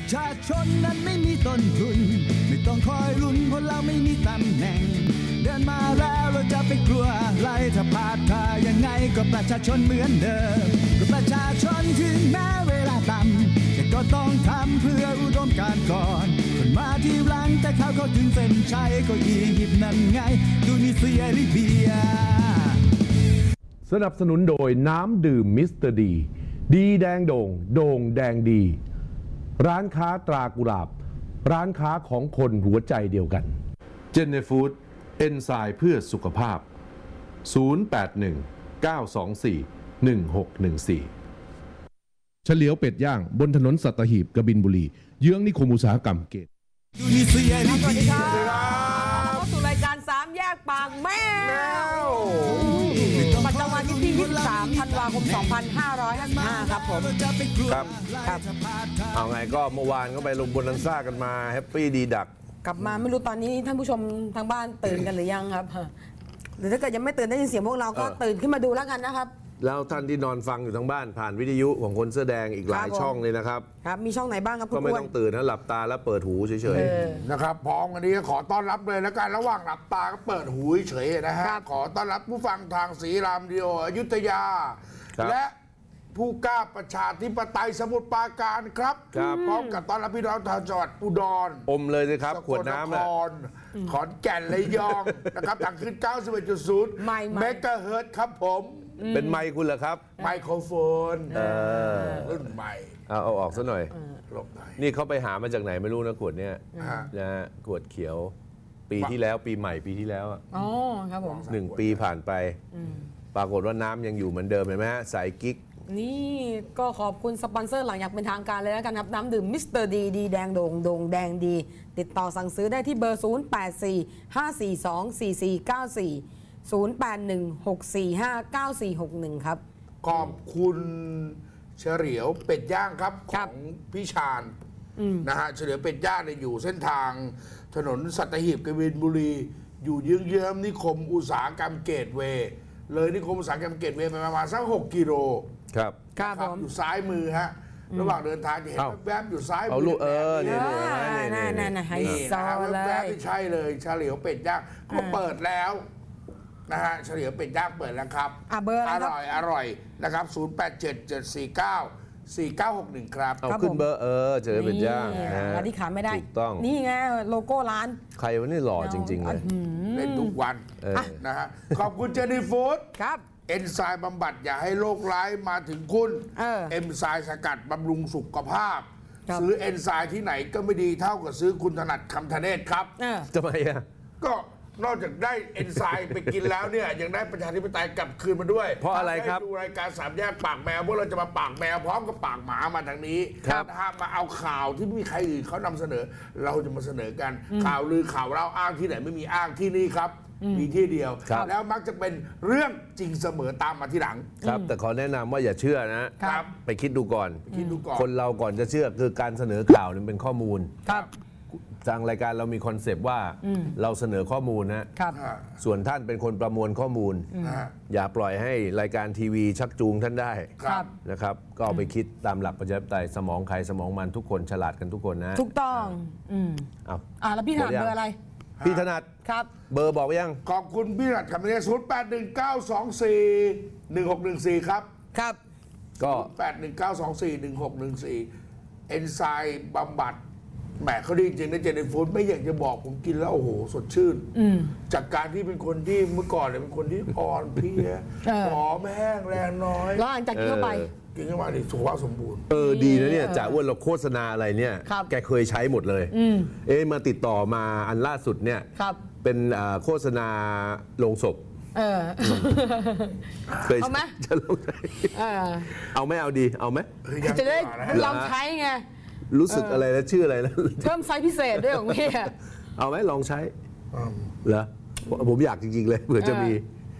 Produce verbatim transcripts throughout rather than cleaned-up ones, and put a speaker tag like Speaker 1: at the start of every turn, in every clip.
Speaker 1: ชาชนนั้นไม่มีต้นทุนไม่ต้องคอยลุ้นเพราะเราไม่มีตำแหน่งเดินมาแล้วเราจะไปกลัวอะไรถ้าพลาดท่ายังไงก็ประชาชนเหมือนเดิมก็ประชาชนถึงแม้เวลาต่ำแต่ก็ต้องทำเพื่ออุดมการณ์ก่อนคนมาที่หลังแต่เขาเขาถึงเส้นชัยก็อียิปต์นั่นไงตูนิเซียลิเบีย
Speaker 2: สนับสนุนโดยน้ำดื่มมิสเตอร์ดีดีแดงโด่งโด่งแดงดีร้านค้าตรากุหลาบร้านค้าของคนหัวใจเดียวกันเจนเนฟูดเอนไซม์เพื่อสุขภาพศูนย์ แปด หนึ่ง เก้า สอง สี่ หนึ่ง หก หนึ่ง สี่เฉลียวเป็ดย่างบนถนนสัตหีบกบินบุรีเยื้องนิคมอุตสาหกรรมเกต
Speaker 3: สวัสดีครับเข้าสู่รายการสามแยกปากแมวประจำวันที่ยี่สิบสามธันวาคมสองพันห้าร้อยห้าสิบห้าครับผม
Speaker 4: ครับครับเอาไงก็เมื่อวานก็ไปลงบนนันซ่ากันมาแฮปปี้ดีดัก
Speaker 3: กลับมาไม่รู้ตอนนี้ท่านผู้ชมทางบ้านตื่นกันหรือยังครับหรือถ้าเกิดยังไม่ตื่นได้ยินเสียงพวกเราก็ตื่นขึ้นมาดูแล้วกันนะครับ
Speaker 4: แล้วท่านที่นอนฟังอยู่ทางบ้านผ่านวิทยุของคนเสื้อแดงอีกหลายช่องเลยนะครับ
Speaker 3: ครับมีช่องไหนบ้างครับ
Speaker 4: ก็ไม่ต้องตื่นนะหลับตาแล้วเปิดหูเฉย
Speaker 5: ๆนะครับพร้อมกันนี้ขอต้อนรับเลยแล้วกันระหว่างหลับตาก็เปิดหูเฉยๆนะฮะขอต้อนรับผู้ฟังทางศรีรามดิโออยุธยาและผู้กล้าประชาธิปไตยสมุทรปราการครับพร้อมกับต้อนรับพี่น้องทางจังหวัดอุดร
Speaker 4: อมเลยสิครับขวดน้ำนะ
Speaker 5: ขอนแก่นระยองนะครับทางขึ้น เก้าสิบเอ็ดจุดศูนย์ เมกะเฮิรตซ์ครับผม
Speaker 4: เป็นไมค์คุณเหรอครับ
Speaker 5: ไมโครโฟนรุ่นใหม่
Speaker 4: เอาเอาออกซะหน่อยนี่เขาไปหามาจากไหนไม่รู้นะขวดเนี้ยนะฮะขวดเขียวปีที่แล้วปีใหม่ปีที่แล้ว
Speaker 3: อ๋อครับผม
Speaker 4: หนึ่งปีผ่านไปปรากฏว่าน้ำยังอยู่เหมือนเดิมเห็นไหมฮะสายกิ๊ก
Speaker 3: นี่ก็ขอบคุณสปอนเซอร์หลังอยากเป็นทางการเลยแล้วกันครับน้ำดื่มมิสเตอร์ดีดีแดงโด่งโด่งแดงดีติดต่อสั่งซื้อได้ที่เบอร์ศูนย์ แปด สี่ ห้า สี่ สอง สี่ สี่ เก้า สี่ ศูนย์ แปด หนึ่ง หก สี่ ห้า เก้า สี่ หก หนึ่งครับ
Speaker 5: ขอบคุณเฉลียวเป็ดย่างครับของพี่ชาญนะฮะเฉลียวเป็ดย่างเนี่ยอยู่เส้นทางถนนสัตหีบกบินบุรีอยู่เยื้องๆนิคมอุตสาหกรรมเกตเวย์เลยนิคมอุตสาหกรรมเกตเวย์ไปประมาณสักหกกิโล
Speaker 4: ครับ
Speaker 5: ครับอยู่ซ้ายมือฮะระหว่างเดินทางจะเห็นแวบๆอยู่ซ้ายมือ
Speaker 4: เอาลูกเออ
Speaker 3: นี่
Speaker 4: นี่
Speaker 3: นี่นี่นี่ไฮโซเลย
Speaker 5: แวบๆที่ใช่เลยเฉลียวเป็ดย่างก็เปิดแล้วนะฮะเฉลียวเป็ดย่างเปิดแล้วครับ
Speaker 3: อเบอร์อ
Speaker 5: ร่อยอร่อยนะครับศูนย์ แปด เจ็ด เจ็ด สี่ เก้า สี่ เก้า หก หนึ่งครับ
Speaker 4: เอาขึ้นเบอร์เออเฉลียวเป็ดย่าง
Speaker 3: ร้านที่ขาไม่ได้
Speaker 4: ถูกต้อง
Speaker 3: นี่ไงโลโก้ร้าน
Speaker 4: ใครวันนี้หล่อจริงๆเลย
Speaker 5: เล่นทุกวันนะฮะขอบคุณเจนี่ฟู้ด
Speaker 3: ครับ
Speaker 5: เอนไซม์บำบัดอย่าให้โรคร้ายมาถึงคุณเอนไซม์สกัดบำรุงสุขภาพซื้อเอนไซม์ที่ไหนก็ไม่ดีเท่ากับซื้อคุณถนัดคำธเนศครับ
Speaker 4: ทำไมอ่ะ
Speaker 5: ก็นอกจากได้เอนไซม์ไปกินแล้วเนี่ยยังได้ประชาธิปไตยกลับคืนมาด้วย
Speaker 4: เพราะอะไรครับ
Speaker 5: ดูรายการสามแยกปากแมวพวกเราจะมาปากแมวพร้อมกับปากหมามาทางนี้นะฮะมาเอาข่าวที่ไม่มีใครอื่นเขานำเสนอเราจะมาเสนอกันข่าวลือข่าวเล่าอ้างที่ไหนไม่มีอ้างที่นี่ครับมีที่เดียวแล้วมักจะเป็นเรื่องจริงเสมอตามมาที่หลัง
Speaker 4: ครับแต่ขอแนะนำว่าอย่าเชื่อนะครับไปคิดดูก่อน
Speaker 5: คิดดูก่อน
Speaker 4: คนเราก่อนจะเชื่อคือการเสนอข่าวนี่เป็นข้อมูล
Speaker 3: ครับ
Speaker 4: ทางรายการเรามีคอนเซปต์ว่าเราเสนอข้อมูลนะครับส่วนท่านเป็นคนประมวลข้อมูลอย่าปล่อยให้รายการทีวีชักจูงท่านได้นะครับก็เอาไปคิดตามหลักประชาธิปไตยสมองใครสมองมันทุกคนฉลาดกันทุกคนนะ
Speaker 3: ถูกต้องอืม
Speaker 4: เอา
Speaker 3: อ่าแล้วพี่ถนัดเบอร์อะไร
Speaker 4: พี่ถนัด
Speaker 3: ครับ
Speaker 4: เบอร์บอกยัง
Speaker 5: ขอบคุณพี่ถนัดครับเนี่ยศูนย์ แปด หนึ่ง เก้า สอง สี่ หนึ่ง หก หนึ่ง สี่ครับ
Speaker 3: ครับ
Speaker 5: ก็แปด หนึ่ง เก้า สอง สี่ หนึ่ง หก หนึ่ง สี่เอนไซม์บำบัดแหมเขาดีจริงนะเจนนี่ฟู้ดไม่อยากจะบอกผมกินแล้วโอ้โหสดชื่นจากการที่เป็นคนที่เมื่อก่อนเนี่ยเป็นคนที่อ่อนเพลียผอมแห้งแรงน้อย
Speaker 3: แล้วหลังจากกินเข้าไป
Speaker 5: กินเข้าไปนี่สุขภาพสมบูรณ์
Speaker 4: เออดีนะเนี่ยจ่าอ้วนเราโฆษณาอะไรเนี่ยแกเคยใช้หมดเลยเอ๊ะมาติดต่อมาอันล่าสุดเนี่ยเป็นโฆษณาโรงศพ
Speaker 3: เออ
Speaker 4: เคยเอาไหมจะลองใช้เอาไหมเอาดีเอาไหม
Speaker 3: จะได้ลองใช้ไง
Speaker 4: รู้สึกอะไรแล้วชื่ออะไรแล้ว
Speaker 3: เพิ่มไซส์พิเศษด้วยของพี่
Speaker 4: เอาไหมลองใช้เหรอผมอยากจริงๆเลยเผื่อจะมี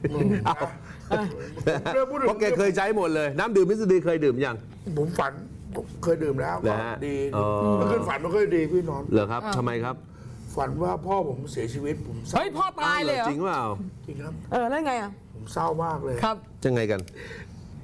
Speaker 4: เพราะแกเคยใช้หมดเลยน้ำดื่มมิสเตอร์ดีเคยดื่มยัง
Speaker 5: ผมฝันเคยดื่มแล้วดีเมื่อคืนฝันไม่เคยดีพี่นอน
Speaker 4: เหรอครับทำไมครับ
Speaker 5: ฝันว่าพ่อผมเสียชีวิตผม
Speaker 3: เฮ้ยพ่อตายเลยเหรอ
Speaker 4: จริงเปล่า
Speaker 5: จริงครับ
Speaker 3: เออแล้วไงอ่ะ
Speaker 5: ผมเศร้ามากเลย
Speaker 3: ครับ
Speaker 4: จะไงกัน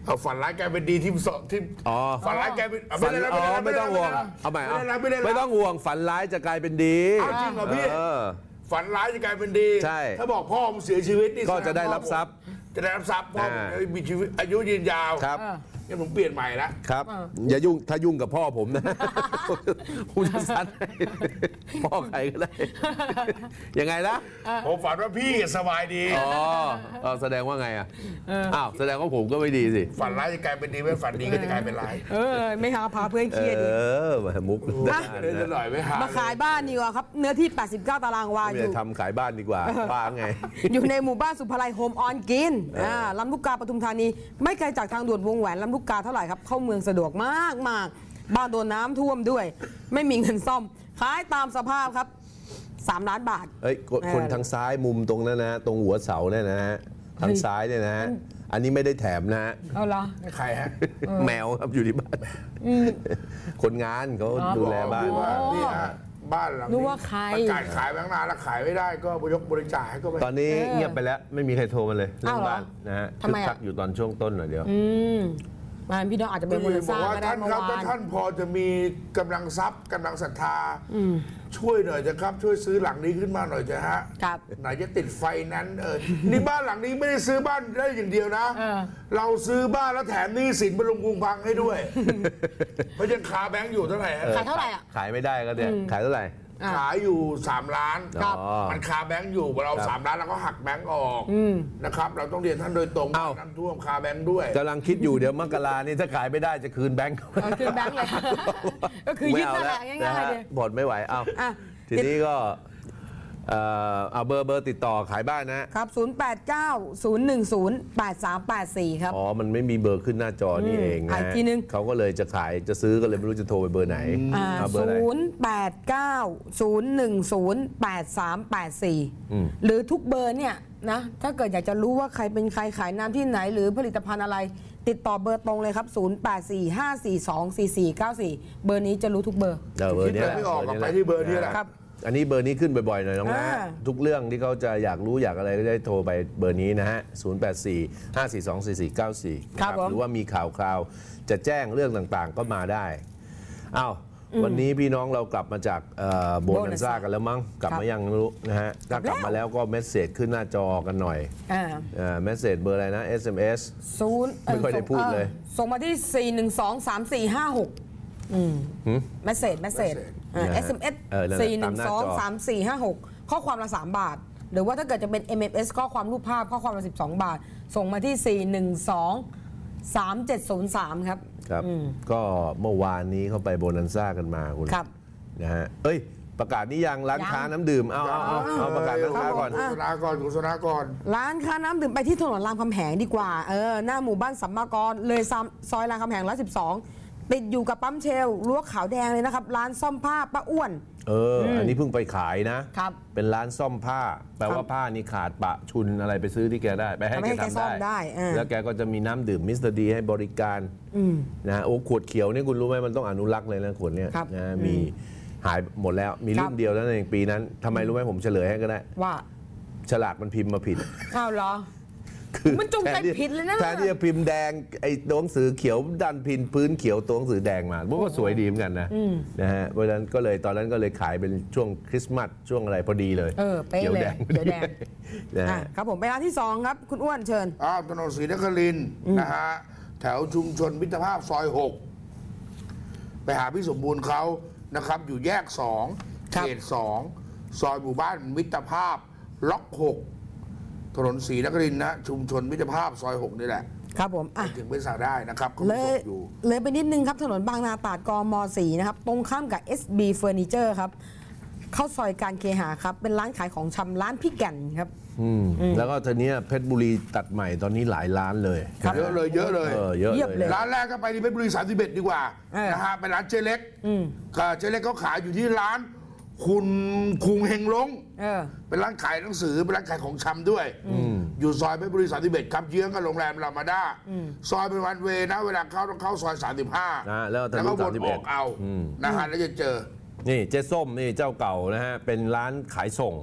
Speaker 5: เอาฝันร้ายกลายเป็นดีที่สองที่
Speaker 4: อ๋อ
Speaker 5: ฝันร้ายกลายเป็น
Speaker 4: ฝันอ๋อไม่ต้องห่วงเอาใหม่เอาไม่ต้องห่วงฝันร้ายจะกลายเป็นดี
Speaker 5: เอาจริงเหรอพี่
Speaker 4: เออ
Speaker 5: ฝันร้ายจะกลายเป็นดี
Speaker 4: ใช่
Speaker 5: ถ้าบอกพ่อผมเสียชีวิตนี่
Speaker 4: ก็จะได้รับทรัพย์
Speaker 5: จะได้รับทรัพย์พ่อผม
Speaker 4: อ่า
Speaker 5: มีชีวิตอายุยืนยาว
Speaker 4: ครับ
Speaker 5: งั้นผมเปลี่ยนใหม่ละ
Speaker 4: ครับอย่ายุ่งถ้ายุ่งกับพ่อผมนะผมจะซัดให้พ่อใครก็ได้ยังไงนะ
Speaker 5: ผมฝันว่าพี่สบายดี
Speaker 4: อ๋อเออแสดงว่าไงอ่ะอ้าวแสดงว่าผมก็ไม่ดีสิ
Speaker 5: ฝันร้ายจะกลายเป็นดีไม่ฝันดีก็จะกลายเป็นร้าย
Speaker 3: เออ ไม่หาพาเพื่อนเครียด
Speaker 4: เอ
Speaker 3: ดิ
Speaker 4: อมามุก
Speaker 3: อ่ะ
Speaker 5: เล่นหน่อยไม่หา
Speaker 3: มาขายบ้านดีกว่าครับ เนื้อที่ แปดสิบเก้า ตารางวาอ
Speaker 4: ไม่
Speaker 3: ยู่
Speaker 4: ได้ทำขายบ้านดีกว่าบ้าไง
Speaker 3: อยู่ในหมู่บ้านสุภาลัยโฮมออนกินอ่าลำลูกกาปทุมธานี ไม่ไกลจากทางด่วนวงแหวนลำลูกกาเท่าไหร่ครับ เข้าเมืองสะดวกมากมากบ้านโดนน้ำท่วมด้วย ไม่มีเงินซ่อม ขายตามสภาพครับสามล้านบาท
Speaker 4: เอ้ยคนคนทางซ้ายมุมตรงนั้นนะ ตรงหัวเสาเนี่ยนะฮะทางซ้ายเนี่ยนะฮะอันนี้ไม่ได้แถมนะฮะ
Speaker 3: เอาเหรอ
Speaker 5: ใครฮะ
Speaker 4: แมวครับอยู่ที่บ้านคนงานเขาดูแลบ้าน
Speaker 5: บอกว่านี่ฮะบ้านหลัง
Speaker 3: นึ
Speaker 5: นี้
Speaker 3: กว่าใคร
Speaker 5: ประกาศขายแบงค์นานแล้วขายไม่ได้ก็ยกบริจาคให้ก็ไป
Speaker 4: ตอนนี้เงียบไปแล้วไม่มีใครโทรมาเลยเรื่อง
Speaker 3: อ้าวเหรอ
Speaker 4: บ้านนะฮะ
Speaker 3: ทำไมอะ
Speaker 4: คึกคักอยู่ตอนช่วงต้นหน่อยเดียว
Speaker 3: อืมมาพี่น้องอาจจะเป็นมูล
Speaker 5: บ
Speaker 3: ส
Speaker 5: อ
Speaker 3: ร้าก ง
Speaker 5: ว่า
Speaker 3: ก็ได้
Speaker 5: ท่าน
Speaker 3: เมื่อ
Speaker 5: ครับ
Speaker 3: วา
Speaker 5: ถ้าน ท่านพอจะมีกำลังทรัพย์กำลังศรัทธา
Speaker 3: อืม
Speaker 5: ช่วยหน่อยจะครับช่วยซื้อหลังนี้ขึ้นมาหน่อยจะฮะ
Speaker 3: ครับ
Speaker 5: ไหนจะติดไฟนั้นเออนี่บ้านหลังนี้ไม่ได้ซื้อบ้านได้อย่างเดียวนะ
Speaker 3: เออ
Speaker 5: เราซื้อบ้านแล้วแถมหนี้สินบรรลุงพุงพังให้ด้วย เพราะยังคาแบงค์อยู่เท่าไหร่ฮะ
Speaker 3: ขายเท่าไหร่อ่ะ
Speaker 4: ขายไม่ได้ก็เนี่ยขายเท่าไหร่
Speaker 3: อ่ะ
Speaker 5: ขายอยู่สามล้าน
Speaker 4: ครับ
Speaker 5: มันคาแบงค์อยู่เรา
Speaker 4: ครับ
Speaker 5: สามล้านเราก็หักแบงค์ออก
Speaker 3: อืม
Speaker 5: นะครับ เราต้องเรียนท่านโดยตรง
Speaker 4: เอ้า
Speaker 5: น้ำท่วมคาแบงค์ด้วย
Speaker 4: กำลังคิดอยู่เดี๋ยวมกรานี่ถ้าขายไม่ได้จะคืนแบงค์
Speaker 3: เอาคืนแบงค์เลย ก็คือยึดนั่นแหละ
Speaker 4: ไม่
Speaker 3: ง่ายๆ
Speaker 4: เอ
Speaker 3: เล
Speaker 4: แวย นะฮะ
Speaker 3: ย
Speaker 4: ผ่อนไม่ไหวเอา
Speaker 3: อ่ะ
Speaker 4: ทีนี้ก็เอ่อเอาเบอร์เบอร์ติดต่อขายบ้านนะ
Speaker 3: ครับ ศูนย์ แปด เก้า ศูนย์ หนึ่ง ศูนย์ แปด สาม แปด สี่ ครับ
Speaker 4: อ๋อ มันไม่มีเบอร์ขึ้นหน้าจอนี่เอง
Speaker 3: อ่ะ
Speaker 4: นะ
Speaker 3: อีกทีนึง
Speaker 4: เขาก็เลยจะขายจะซื้อก็เลยไม่รู้จะโทรไปเบอร์ไหน
Speaker 3: อ่า
Speaker 4: เอาเบอร์ไหน
Speaker 3: ศูนย์ แปด เก้า ศูนย์ หนึ่ง ศูนย์ แปด สาม แปด สี่
Speaker 4: อืม
Speaker 3: หรือทุกเบอร์เนี่ยนะ ถ้าเกิดอยากจะรู้ว่าใครเป็นใครขายน้ำที่ไหน หรือผลิตภัณฑ์อะไร ติดต่อเบอร์ตรงเลยครับ ศูนย์ แปด สี่ ห้า สี่ สอง สี่ สี่ เก้า สี่ เบอร์นี้จะรู้ทุกเบอร์
Speaker 4: เออเบอร์นี้แหละ
Speaker 5: คิดไม่ออกก็
Speaker 4: แห
Speaker 5: ไป
Speaker 4: ละ
Speaker 5: ที่เบอร์นี้แหละ
Speaker 3: ครับ
Speaker 4: อันนี้เบอร์นี้ขึ้นบ่อยๆหน่อยน้องนะ
Speaker 3: อ่า
Speaker 4: ทุกเรื่องที่เขาจะอยากรู้อยากอะไรก็ได้โทรไปเบอร์นี้นะฮะ ศูนย์ แปด สี่ ห้า สี่ สอง สี่ สี่ เก้า สี่
Speaker 3: ครับผม
Speaker 4: หรือว่ามีข่าวคราวจะแจ้งเรื่องต่างๆก็มาได้อ้าววันนี้พี่น้องเรากลับมาจากโบนันซ่ากันแล้วมั้งกลับมายังไม่รู้นะฮะถ้ากลับมาแล้วก็เมสเซจขึ้นหน้าจอกันหน่อย
Speaker 3: อ่า
Speaker 4: เมสเซจเบอร์อะไรนะ เอส เอ็ม เอส
Speaker 3: ศูนย์
Speaker 4: ไม่ค่อยได้พูดเลย
Speaker 3: ออส่งมาที่ สี่ หนึ่ง สอง สาม สี่ ห้า หก อืมเมสเซจเมสเซจ
Speaker 4: นะ
Speaker 3: เอ
Speaker 4: ฮะ
Speaker 3: ส เอ็ม เอส
Speaker 4: เออนั่นแหละ
Speaker 3: สี่ หนึ่ง สอง
Speaker 4: ตามหน้าจอ
Speaker 3: สาม สี่ ห้า หก ข้อความละ สาม บาท หรือว่าถ้าเกิดจะเป็น เอ็ม เอ็ม เอส ข้อความรูปภาพ ข้อความละ สิบสอง บาท ส่งมาที่ สี่ หนึ่ง สอง สาม เจ็ด ศูนย์ สาม ครับ
Speaker 4: ครับ
Speaker 3: อืม
Speaker 4: ก็เมื่อวานนี้เขาไปโบนันซ่ากันมาคุณ
Speaker 3: ครับ
Speaker 4: นะฮะเอ้ย ประกาศนี้ยังร้าน
Speaker 3: ยัง
Speaker 4: ค้าน้ำดื่มเอาเอาเอาเอาประกาศร้านค้าก่อน
Speaker 5: โฆษณาก่อนโฆษณาก่อน
Speaker 3: ร้านค้าน้ำดื่มไปที่ถนนรามคำแหงดีกว่า เออ หน้าหมู่บ้านสัมมากร เลยซำซอยรามคำแหงร้อยสิบสองติดอยู่กับปั๊มเชลรั้วขาวแดงเลยนะครับ ร้านซ่อมผ้าป้าอ้วน
Speaker 4: เออ อันนี้เพิ่งไปขายนะ
Speaker 3: ครับ
Speaker 4: เป็นร้านซ่อมผ้า แปลว่าผ้านี่ขาดปะชุนอะไรไปซื้อที่แกได้ ไปให้
Speaker 3: ทำให้
Speaker 4: แก
Speaker 3: แก
Speaker 4: ทำ
Speaker 3: ซ่อมได้
Speaker 4: ได้
Speaker 3: เออ
Speaker 4: แล้วแกก็จะมีน้ำดื่มมิสเตอร์ดีให้บริการนะฮะโอ้ขวดเขียวนี่คุณรู้ไหมมันต้องอนุรักษ์เลยนะขวดเนี้ย
Speaker 3: ครับ
Speaker 4: นะมีหายหมดแล้วมี
Speaker 3: ครั
Speaker 4: รุ่
Speaker 3: บ
Speaker 4: นเดียวแล้วในปีนั้นทำไมรู้ไหมผมเฉลยให้ก็ได้
Speaker 3: ว่า
Speaker 4: ฉลากมันพิมพ์มาผิด
Speaker 3: อ้าวเหรอ
Speaker 4: คือ
Speaker 3: มันจงใจ
Speaker 4: แทที่
Speaker 3: ผิดเลยนะ
Speaker 4: แทนที่จะพิมพ์แดงไอ้ตัวหนังสือเขียวดันพิมพ์พื้นเขียวตัวหนังสือแดงมาพวกก็สวยดีเหมือนกันนะนะฮะเพราะฉะนั้นก็เลยตอนนั้นก็เลยขายเป็นช่วงคริสต์มาสช่วงอะไรพอดีเลย
Speaker 3: เออเป๊ะ
Speaker 4: ขียว
Speaker 3: เลย
Speaker 4: แดง
Speaker 3: เขียวแดง
Speaker 4: นะ
Speaker 3: อ่ะ
Speaker 4: ฮะ
Speaker 3: ครับผมไปร้านที่สองครับ คุณอ้วนเชิญ
Speaker 5: อ้าวถนนศรีนครินทร์นะฮะ แถวชุมชนมิตรภาพซอยหกไปหาพี่สมบูรณ์เขานะครับ อยู่แยกสอง
Speaker 3: ครั
Speaker 5: เข
Speaker 3: บ
Speaker 5: ตสองซอยหมู่บ้านมิตรภาพล็อกหกถนนศรีนครินทร์นะชุมชนมิตรภาพซอยหกนี่แหละ
Speaker 3: ครับผมอ่ะ
Speaker 5: ถึงไปสั่งได้นะครับคุณ
Speaker 3: เล
Speaker 5: ผู้ช
Speaker 3: ย
Speaker 5: มอยู่
Speaker 3: เลยไปนิดนึงครับ ถนนบางนาตราดกมสี่นะครับ ตรงข้ามกับ เอส บี Furniture ครับ เข้าซอยการเคหาครับ เป็นร้านขายของชำร้านพี่แก่นครับ
Speaker 4: อืมแล้วก็ทีเนี้ยเพชรบุรีตัดใหม่ตอนนี้หลายล้านเลย
Speaker 5: เยอะเลยเยอะเลย
Speaker 4: เออเยอะ
Speaker 3: เยียบ
Speaker 4: เล
Speaker 3: เลย ย
Speaker 5: ร้านแรกก็ไปที่เพชรบุรีสามสิบเอ็ดดีกว่า
Speaker 3: เออ
Speaker 5: นะฮะเป็นร้านเจ๊เล็ก
Speaker 3: อืม
Speaker 5: ก็เจ๊เล็กเขาขายอยู่ที่ร้านคุณคุงเฮงลง
Speaker 3: เออ
Speaker 5: เป็นร้านขายหนังสือเป็นร้านขายของชำด้วย อยู่ซอยเพชรบุรีสามสิบเอ็ดครับเยื้องกับโรงแรมรามาด้าซอยเป็นวันเวย์นะ เวลาเข้าต้องเข้าซอยสามสิบห้า
Speaker 4: นะแล้วทะ
Speaker 5: แล้ว
Speaker 4: ลุ
Speaker 5: ก็ว
Speaker 4: สาม
Speaker 5: น
Speaker 4: สิบ
Speaker 5: อ
Speaker 4: เอ็ด
Speaker 5: อกเอานะฮะแล้วจะเจอ
Speaker 4: นี่เจ๊ส้มนี่เจ้าเก่านะฮะเป็นร้านขายส่ง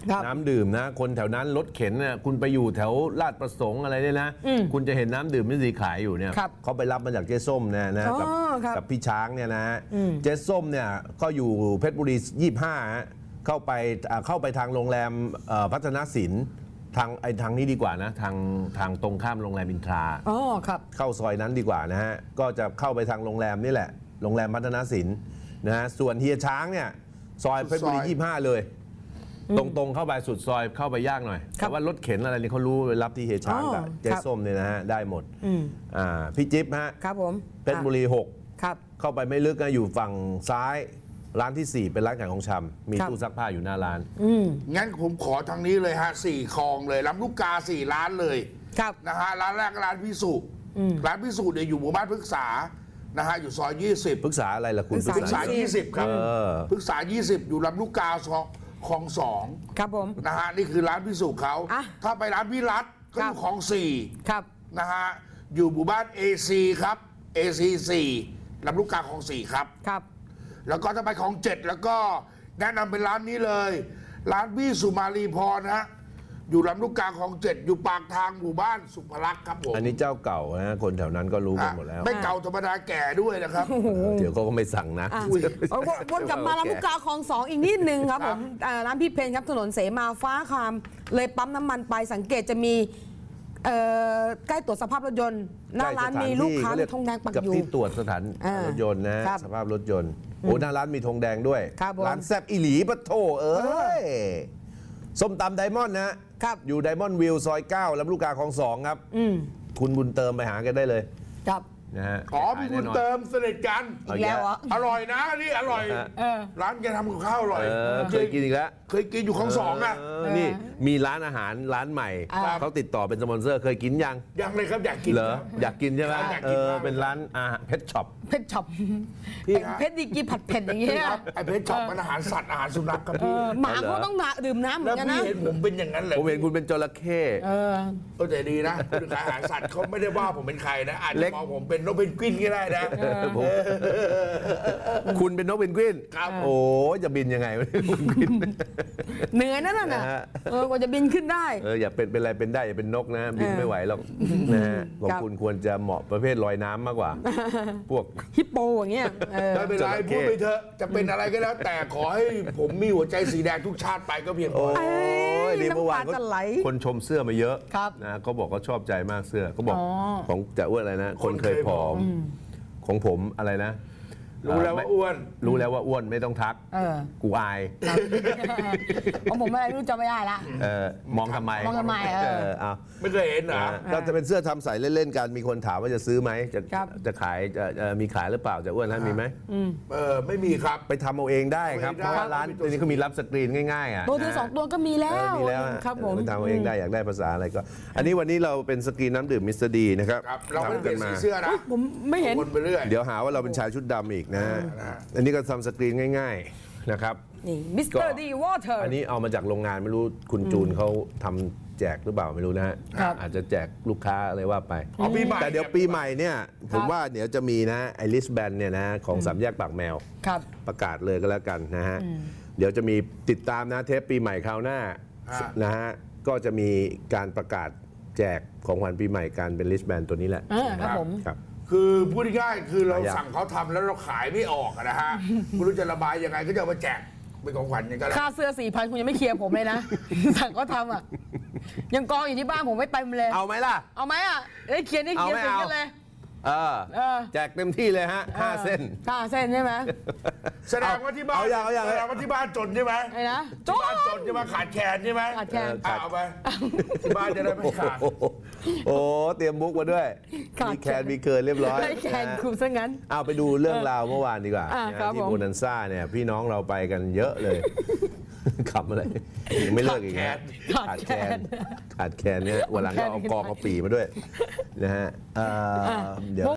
Speaker 4: น้ำดื่มนะคนแถวนั้นรถเข็นเนี่ยคุณไปอยู่แถวลาดประสงค์อะไรเนี่ยนะคุณจะเห็นน้ำดื่มมิสเตอร์ดีขายอยู่เนี่ยเขาไปรับมาจากเจ๊ส้มนะนะกับกับพี่ช้างเนี่ยนะเจ๊ส้มเนี่ยก็อยู่เพชรบุรียี่สิบห้าเข้าไปเข้าไปทางโรงแรมพัฒนศิลป์ทางไอ้ทางนี้ดีกว่านะทางทางตรงข้ามโรงแรมอินทราอ๋อครับเข้าซอยนั้นดีกว่านะฮะก็จะเข้าไปทางโรงแรมนี่แหละโรงแรมพัฒนศิลป์นะฮะส่วนเฮียช้างเนี่ยซอยเพชรบุรียี่สิบห้าเลยตรงๆเข้าไปสุดซอยเข้าไปยากหน่อยแต่ว่ารถเข็นอะไรนี่เขารู้ไปรับที่เฮียช้างกับเจ๊ส้มเนี่ยนะฮะได้หมดอ่าพี่จิ๊บฮะครับผมเพชรบุรีหกครับเข้าไปไม่ลึกนะอยู่ฝั่งซ้ายร้านที่สี่เป็นร้านขายของชำมีตู้ซักผ้าอยู่หน้าร้าน
Speaker 5: งั้นผมขอทางนี้เลยฮะสี่คลองเลยลำลูกกาสี่ร้านเลยครับนะฮะร้านแรกร้านพิสุร้านพิสุเนี่ยอยู่หมู่บ้านพฤกษานะฮะอยู่ซอยยี่สิบ
Speaker 4: พฤกษาอะไรล่ะคุณ
Speaker 5: พฤกษายี่สิบครับพฤกษายี่สิบอยู่ลำลูกกาคลองสอง
Speaker 3: ครับผม
Speaker 5: นะฮะนี่คือร้านพิสุเขาถ้าไปร้านพิรัตก็อยู่คลองสี่
Speaker 3: ครับ
Speaker 5: นะฮะอยู่หมู่บ้านเอซีครับเอซีสี่ลำลูกกาคลองสี่ครับครับแล้วก็ถ้าไปของเจ็ดแล้วก็แนะนำเป็นร้านนี้เลย ร้านพี่สุมาลีพรนะฮะอยู่ลำลูกกาของเจ็ดอยู่ปากทางหมู่บ้านสุภลักษณ์ครับผม
Speaker 4: อันนี้เจ้าเก่านะคนแถวนั้นก็รู้กันหมดแล้ว
Speaker 5: ไม่เก่าธรรมดาแก่ด้วยนะครับ
Speaker 4: เดี๋ยวเขาก็ไม่สั่งนะ
Speaker 3: วนกลับมาลำลูกกาของสองอีกนิดนึงครับผมร้านพี่เพนครับถนนเสมาฟ้าคามเลยปั๊มน้ำมันไปสังเกตจะมีใกล้ตรวจสภาพรถยนต์หน้าร้านมีลูกค้าธงแดงปักอยู่
Speaker 4: กับที่ตรวจสถานรถยนต์นะสภาพรถยนต์โอ้หน้าร้านมีธงแดงด้วยร้านแซบอีหลีปะโถเอ้ยส้มตำไดมอนด์นะครับอยู่ไดมอนด์วิวซอยเก้าลำลูกกาคลองสองครับคุณบุญเติมไปหากันได้เลย
Speaker 3: ครับ
Speaker 4: นะฮะ
Speaker 5: ขอพี่บุญเติมสนิทกัน
Speaker 3: อีกแล้วอ่ะ
Speaker 5: อร่อยนะนี่อร่อยร้านแกทำกับข้าวอร่อย
Speaker 4: เคยกินอีกแล้ว
Speaker 5: เคยกินอยู่คลองสองอ่ะ
Speaker 4: นี่มีร้านอาหารร้านใหม่เขาติดต่อเป็นสปอนเซอร์เคยกินยัง
Speaker 5: ยังเลยครับอยากกิน
Speaker 4: เหรออยากกินใช่ไหมเออเป็นร้านอาหารเพชรช็อป
Speaker 3: เพชรช็อปเพชรดีกีผัดเผ็ดอย่างเงี้ย
Speaker 5: ไอเพชรช็อปมันอาหารสัตว์อาหารสุนัขครับพี่
Speaker 3: หมาเขาต้องดื่มน้ำเหมือนกันนะ
Speaker 5: แล้วพี่เห็นผมเป็นอย่างนั้นเลย
Speaker 4: ผมเห็นคุณเป็นจระเข้
Speaker 3: เออ
Speaker 5: แต่ดีนะคุณขายอาหารสัตว์เขาไม่ได้ว่าผมเป็นใครนะอาจจะมองผมเป็นนกเพนกวินก็ได้นะ
Speaker 4: คุณเป็นนกเพนกวินโอ้จะบินยังไง
Speaker 3: เหนื่อยนั่นน่ะเออกว่าจะบินขึ้นได้
Speaker 4: เอออย่าเป็นเป็นอะไรเป็นได้อย่าเป็นนกนะบินไม่ไหวหรอกนะของคุณควรจะเหมาะประเภทลอยน้ำมากกว่าพวก
Speaker 3: ฮิปโปอย่างเงี้ย
Speaker 5: ไม่เป็นไรพูดไปเถอะจะเป็นอะไรก็แล้วแต่ขอให้ผมมีหัวใจสีแดงทุกชาติไปก็เพียงพอ
Speaker 4: โอ้ยนี่เมื่อวานคนชมเสื้อมาเยอะนะเขาบอกเขาชอบใจมากเสื้อเขาบอกของจะอ้วนอะไรนะคนเคยผอมของผมอะไรนะ
Speaker 5: รู้แล้วว่าอ้วน
Speaker 4: รู้แล้วว่าอ้วนไม่ต้องทักกูอาย
Speaker 3: ของผมไม่รู้จะไม่ได้ละ
Speaker 4: มองทำไม
Speaker 3: มองทำไมเออ
Speaker 5: ไม่เคยเห็นนะ
Speaker 4: ก็จะเป็นเสื้อทำใส่เล่นๆกันมีคนถามว่าจะซื้อไหมจะจะขายจะมีขายหรือเปล่าจะอ้วนนะมีไหม
Speaker 5: เออไม่มีครับ
Speaker 4: ไปทำเอาเองได้ครับเพราะว่าร้านนี้เขามีรับสกรีนง่ายๆอ่ะ
Speaker 3: ตัวที่สองตัวก็มีแล้ว
Speaker 4: มีแล้ว
Speaker 3: ครับผม
Speaker 4: ไปทำเอาเองได้อยากได้ภาษาอะไรก็อันนี้วันนี้เราเป็นสกรีนน้ำดื่มมิสเตอร์ดีนะครับ
Speaker 5: เราไม่ได้เป็นสีเสื้อนะ
Speaker 3: ผมไม่เห็น
Speaker 4: เดี๋ยวหาว่าเราเป็นชายชุดดำอีกนะอันนี้ก็ทำสกรีนง่ายๆนะครับ
Speaker 3: นี่มิสเตอร์ดีวอเตอร์
Speaker 4: อันนี้เอามาจากโรงงานไม่รู้คุณจูนเขาทำแจกหรือเปล่าไม่รู้นะฮะอาจจะแจกลูกค้าอะไรว่าไปแต่เดี๋ยวปีใหม่เนี่ยผมว่าเดี๋ยวจะมีนะไอริสแบนเนี่ยนะของสามแยกปากแมวประกาศเลยก็แล้วกันนะฮะเดี๋ยวจะมีติดตามนะเทปปีใหม่คราวหน้านะฮะก็จะมีการประกาศแจกของขวัญปีใหม่การเป็นริสแบนตัวนี้แหละ
Speaker 3: ครับผม
Speaker 5: คือพูดง่ายๆคือเราสั่งเขาทำแล้วเราขายไม่ออกนะฮะไม่รู้จะระบายยังไงก็จะเอามาแจกเป็นของขวัญยังไง
Speaker 3: ค่าเสื้อสี่พันคุณยังไม่เคลียร์ผมเลยนะสั่งเขาทำอ่ะยังกองอยู่ที่บ้านผมไม่เต็มเลย
Speaker 4: เอาไหมล่ะ
Speaker 3: เอาไหมอ่ะได้เคลียร์ได้เคลียร์เสร็จกันเลย
Speaker 4: เออแจกเต็มที่เลยฮะห้าเส้น
Speaker 3: ห้าเส้นใช่ไหม
Speaker 5: แสดงว่าที่บ้าน
Speaker 4: เอาอย่างเอาอย่าง
Speaker 5: แสดงว่าที่บ้านจนใช่ไหม
Speaker 3: ไอ้นะ
Speaker 5: จนจนใช่ไหมขาดแคลนใช่ไหม
Speaker 3: ขาดแคลน
Speaker 5: เอาไปที่บ้านจะได้ไม่ขาด
Speaker 4: โอ้เตรียมบุ๊กมาด้วยมีแคนมีเกินเรียบร้อย
Speaker 3: แคนคุมซะงั้น
Speaker 4: เอาไปดูเรื่องราวเมื่อวานดีกว่าที่โบนันซ่าเนี่ยพี่น้องเราไปกันเยอะเลยขับอะไรยังไม่เลิกอีกนะ
Speaker 3: ขาดแคลน
Speaker 4: ขาดแคลนเนี่ยวันหลังก็เอากองเอาปีมาด้วยนะฮะเดี๋ยว